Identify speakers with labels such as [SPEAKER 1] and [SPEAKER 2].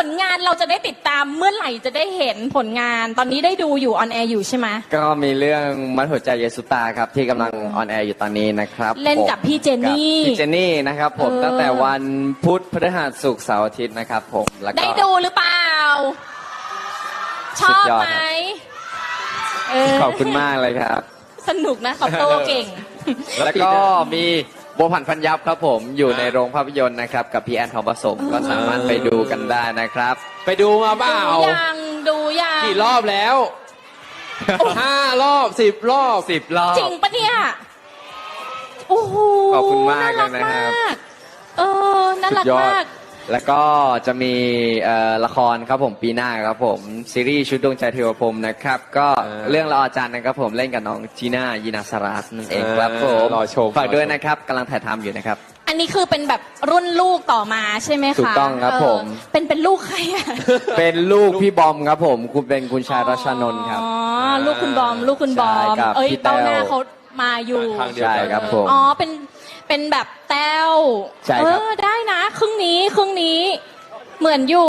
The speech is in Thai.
[SPEAKER 1] ลงานเราจะได้ติดตามเมื่อไหร่จะได้เห็นผลงานตอนนี้ได้ดูอยู่ออนแอร์อยู่ใช่ไหม
[SPEAKER 2] ก็มีเรื่องมัดหัวใจเยสุตาครับที่กำลังออนแอร์อยู่ตอนนี้นะครับ
[SPEAKER 1] เล่นกับพี่เจนนี่
[SPEAKER 2] พี่เจนนี่นะครับผมตั้งแต่วันพุธพฤหัสศุกร์เสาร์อาทิตย์นะครับผมแล้วก็
[SPEAKER 1] ได้ดูหรือเปล่าชอบไหม
[SPEAKER 2] ขอบคุณมากเลยครับ
[SPEAKER 1] สนุกนะตอบโต้เก่ง
[SPEAKER 2] แล้วก็มีบัวผันพันยับครับผมอยู่ในโรงภาพยนตร์นะครับกับพี่แอนทองผสมก็สามารถไปดูกันได้นะครับ
[SPEAKER 3] ไปดูมาเปล่า
[SPEAKER 1] ดูยัง
[SPEAKER 3] กี่รอบแล้ว5 รอบ10 รอบ
[SPEAKER 2] 10 รอบ
[SPEAKER 1] จริงปะเนี่ยโอ้โห
[SPEAKER 2] ขอบคุณมากเลยนะครับ
[SPEAKER 1] น่ารักมาก
[SPEAKER 2] แล้วก็จะมีละครครับผมปีหน้าครับผมซีรีส์ชุดดวงใจเทวพรหมนะครับก็เรื่องละออจันทร์นะครับผมเล่นกับน้องจีน่ายีนาสราสนั่นเองครับผม
[SPEAKER 3] รอชม
[SPEAKER 2] ฝากด้วยนะครับกำลังถ่ายทำอยู่นะครับ
[SPEAKER 1] อันนี้คือเป็นแบบรุ่นลูกต่อมาใช่ไหมคะ
[SPEAKER 2] ถูกต้องครับผม
[SPEAKER 1] เป็นลูกใครอ่ะ
[SPEAKER 2] เป็นลูกพี่บอมครับผมคุณชายรัชนนท์ครับ
[SPEAKER 1] อ๋อลูกคุณบอมเอ้ยเต้าหน้าเขามาอยู่
[SPEAKER 2] ใช่ครับผม
[SPEAKER 1] อ๋อเป็นแบบแต้ว
[SPEAKER 2] ใช่ครับ
[SPEAKER 1] ได้นะครึ่งนี้เหมือนอยู่